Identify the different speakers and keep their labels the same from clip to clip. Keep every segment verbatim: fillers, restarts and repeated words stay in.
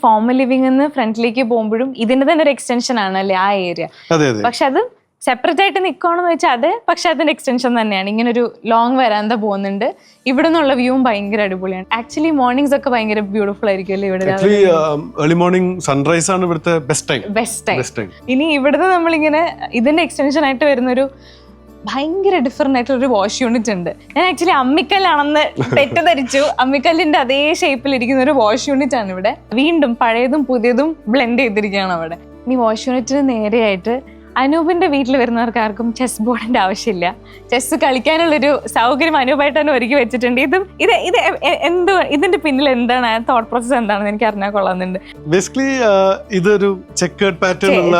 Speaker 1: Formal living എന്ന് ഫ്രണ്ടിലേക്ക് പോകുമ്പോഴും ഇതിന്റെ തന്നെ ഒരു എക്സ്റ്റൻഷൻ ആണല്ലേ ആ ഏരിയ. പക്ഷെ അത് സെപ്പറേറ്റ് ആയിട്ട് നിൽക്കുകയാണെന്ന് വെച്ചാൽ അത് പക്ഷെ അതിന്റെ എക്സ്റ്റൻഷൻ തന്നെയാണ്. ഇങ്ങനെ ഒരു ലോങ് വരാന്ത പോകുന്നുണ്ട്. ഇവിടെ നിന്നുള്ള വ്യൂവും ഭയങ്കര അടിപൊളിയാണ്. ആക്ച്വലി മോർണിംഗ്സ് ഒക്കെ ഭയങ്കര ബ്യൂട്ടിഫുൾ ആയിരിക്കും അല്ലേ ഇവിടെ?
Speaker 2: ഏർലി മോർണിംഗ് സൺറൈസ് ആണ് ഇവിടുത്തെ ബെസ്റ്റ് ടൈം.
Speaker 1: Best time. ഇനി ഇവിടുന്ന് നമ്മളിങ്ങനെ ഇതിന്റെ എക്സ്റ്റൻഷൻ ആയിട്ട് വരുന്നൊരു ഭയങ്കര ഡിഫറെന്റ് ആയിട്ടുള്ള ഒരു വാഷ് യൂണിറ്റ് ഉണ്ട്. ഞാൻ ആക്ച്വലി അമ്മിക്കല്ലാണെന്ന് തെറ്റിദ്ധരിച്ചു. അമ്മിക്കല്ലിന്റെ അതേ ഷേപ്പിൽ ഇരിക്കുന്ന ഒരു വാഷ് യൂണിറ്റ് ആണ് ഇവിടെ. വീണ്ടും പഴയതും പുതിയതും ബ്ലെൻഡ് ചെയ്തിരിക്കുകയാണ് അവിടെ. ഇനി വാഷ് യൂണിറ്റിന് നേരെയായിട്ട് അനൂപിന്റെ വീട്ടിൽ വരുന്നവർക്ക് ആർക്കും ചെസ് ബോർഡിന്റെ ആവശ്യമില്ല. ചെസ് കളിക്കാനുള്ളൊരു സൗകര്യം അനൂപായിട്ട് തന്നെ ഒരുക്കി വെച്ചിട്ടുണ്ട്. ഇതും ഇത് ഇത് എന്തോ ഇതിന്റെ പിന്നിൽ എന്താണ് തോട്ട് പ്രോസസ് എന്താണെന്ന് എനിക്ക് അറിഞ്ഞാൽ കൊള്ളാന്നുണ്ട്.
Speaker 2: ബേസിക്കലി ഇതൊരു ചെക്കേർഡ് പാറ്റേൺ ഉള്ള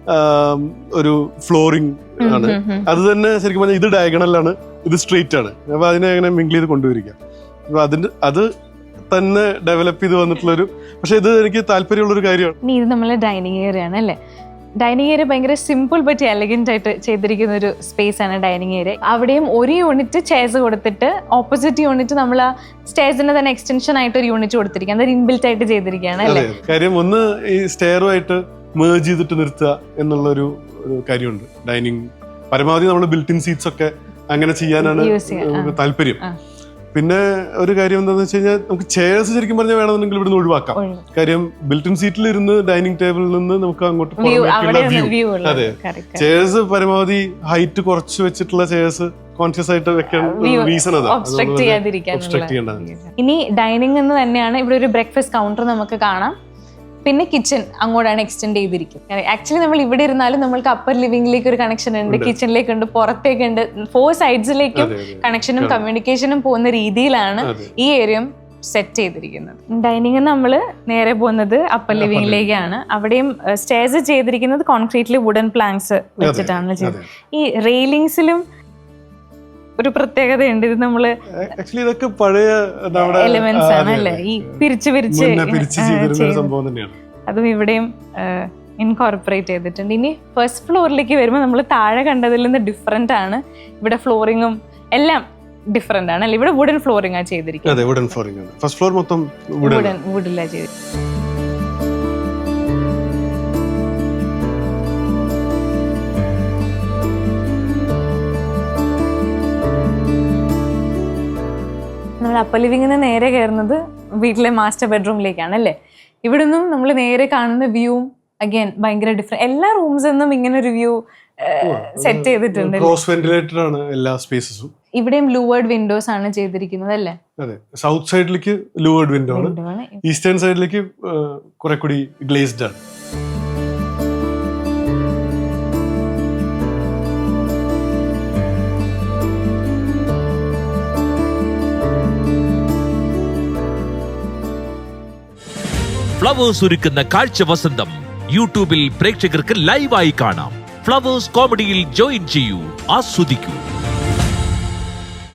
Speaker 2: ഒരു ഫ്ലോറിംഗ് ആണ്. അത് തന്നെ ശരിക്കും പറഞ്ഞാൽ ഇത് ഡയഗണലാണ്, ഇത് സ്ട്രെയിറ്റ് ആണ്. അപ്പൊ അതിനെ അങ്ങനെ മിങ്കിൾ ചെയ്ത് കൊണ്ടുവരിക. അപ്പൊ അതിന്റെ അത് തന്നെ ഡെവലപ്പ് ചെയ്ത് വന്നിട്ടുള്ളൊരു, പക്ഷെ ഇത് എനിക്ക് താല്പര്യമുള്ള ഒരു കാര്യമാണ്.
Speaker 1: ഇനി ഇത് നമ്മളെ ഡൈനിങ് ഏരിയ ആണ് അല്ലേ? ഡൈനിങ് ഏരിയ ഭയങ്കര സിമ്പിൾ ബട്ട് എലഗന്റ് ആയിട്ട് ചെയ്തിരിക്കുന്ന ഒരു സ്പേസ് ആണ് ഡൈനിങ് ഏരിയ. അവിടെയും ഒരു യൂണിറ്റ് ചെയർസ് കൊടുത്തിട്ട് ഓപ്പോസിറ്റ് യൂണിറ്റ് നമ്മൾ ആ സ്റ്റെയർസിന്റെ തന്നെ എക്സ്റ്റൻഷൻ ആയിട്ട് ഒരു യൂണിറ്റ് കൊടുത്തിരിക്കുക. അത് ഇൻബിൽറ്റ് ആയിട്ട് ചെയ്തിരിക്കുകയാണ് അല്ലേ?
Speaker 2: കാര്യം ഒന്ന് ഈ സ്റ്റെയറുമായിട്ട് മേർജ് ചെയ്തിട്ട് നിർത്തുക എന്നുള്ളൊരു കാര്യമുണ്ട്. ഡൈനിങ് പരമാവധി നമ്മൾ ബിൽറ്റ് ഇൻ സീറ്റ്സ് ഒക്കെ അങ്ങനെ ചെയ്യാനാണ് താല്പര്യം. പിന്നെ ഒരു കാര്യം എന്താണെന്ന് വെച്ച് കഴിഞ്ഞാൽ നമുക്ക് ചെയർസ് ശരിക്കും പറഞ്ഞാൽ വേണമെന്നുണ്ടെങ്കിൽ ഇവിടുന്ന് ഒഴിവാക്കാം. കാര്യം ബിൽറ്റ് ഇൻ സീറ്റിൽ ഇരുന്ന് ഡൈനിങ് ടേബിളിൽ നിന്ന് നമുക്ക് അങ്ങോട്ട് വ്യൂ. അതെ, ചെയർസ് പരമാവധി ഹൈറ്റ് കുറച്ച് വെച്ചിട്ടുള്ള ചെയർസ് കോൺഷ്യസ് ആയിട്ട് വെക്കാൻ റീസൺ അതാണ്.
Speaker 1: ഇനി ഡൈനിങ് എന്ന് തന്നെയാണ് ഇവിടെ ഒരു ബ്രേക്ക്ഫാസ്റ്റ് കൗണ്ടർ നമുക്ക് കാണാം. പിന്നെ കിച്ചൺ അങ്ങോട്ടാണ് എക്സ്റ്റെൻഡ് ചെയ്തിരിക്കുന്നത്. ആക്ച്വലി നമ്മൾ ഇവിടെ ഇരുന്നാലും നമ്മൾക്ക് അപ്പർ ലിവിംഗിലേക്ക് ഒരു കണക്ഷൻ ഉണ്ട്, കിച്ചണിലേക്ക് ഉണ്ട്, പുറത്തേക്ക് ഉണ്ട്. ഫോർ സൈഡ്സിലേക്കും കണക്ഷനും കമ്മ്യൂണിക്കേഷനും പോകുന്ന രീതിയിലാണ് ഈ ഏരിയ സെറ്റ് ചെയ്തിരിക്കുന്നത്. ഡൈനിങ് നമ്മൾ നേരെ പോകുന്നത് അപ്പർ ലിവിംഗിലേക്കാണ്. അവിടെയും സ്റ്റെയർസ് ചെയ്തിരിക്കുന്നത് കോൺക്രീറ്റ്ലി വുഡൻ പ്ലാങ്ക്സ് വെച്ചിട്ടാണ് ചെയ്തത്. ഈ റെയിലിംഗ്സിലും ഒരു പ്രത്യേകതയുണ്ട്. ഇത് നമ്മള്
Speaker 2: ഇതൊക്കെ പഴയ
Speaker 1: എലിമെന്റ്സ് ആണ് അല്ലേ? ഈ പിരിച്ച് പിരിച്ച് അതും ഇവിടെയും ഇൻകോർപ്പറേറ്റ് ചെയ്തിട്ടുണ്ട്. ഇനി ഫസ്റ്റ് ഫ്ലോറിലേക്ക് വരുമ്പോൾ നമ്മൾ താഴെ കണ്ടതിൽ നിന്ന് ഡിഫറെന്റ് ആണ്. ഇവിടെ ഫ്ലോറിങ്ങും എല്ലാം ഡിഫറെന്റ് ആണ് അല്ലേ? ഇവിടെ വുഡൻ ഫ്ലോറിംഗ് ആണ് ചെയ്തിരിക്കുന്നത്.
Speaker 2: ഫസ്റ്റ് ഫ്ലോർ മൊത്തം
Speaker 1: വുഡൻ വുഡിലാണ് ചെയ്തിരിക്കുന്നത്. നമ്മൾ അപ്പർ ലിവിംഗിന് നേരെ കയറുന്നത് വീട്ടിലെ മാസ്റ്റർ ബെഡ്റൂമിലേക്കാണ് അല്ലേ? ഇവിടെ നിന്നും നമ്മൾ നേരെ കാണുന്ന വ്യൂവും അഗൈൻ ഭയങ്കര ഡിഫറെന്റ്. എല്ലാ റൂംസിൽ നിന്നും ഇങ്ങനെ ഒരു വ്യൂ സെറ്റ് ചെയ്തിട്ടുണ്ട്.
Speaker 2: ക്രോസ് വെന്റിലേറ്റഡ് ആണ് എല്ലാ സ്പേസസും.
Speaker 1: ഇവിടെയും ലൂവേർഡ് വിൻഡോസ് ആണ് ചെയ്തിരിക്കുന്നത് അല്ലേ?
Speaker 2: അതെ, സൗത്ത് സൈഡിലേക്ക് ലൂവേർഡ് വിൻഡോ ആണ്, ഈസ്റ്റേൺ സൈഡിലേക്ക് കുറെ കൂടി ഗ്ലേസ്ഡ് ആണ്.
Speaker 3: ഫ്ലവേഴ്സ് ഒരുക്കുന്ന കാഴ്ച വസന്തം യൂട്യൂബിൽ പ്രേക്ഷകർക്ക് ലൈവായി കാണാം. ഫ്ലവേഴ്സ് കോമഡിയിൽ ജോയിൻ ചെയ്യൂ, ആസ്വദിക്കൂ.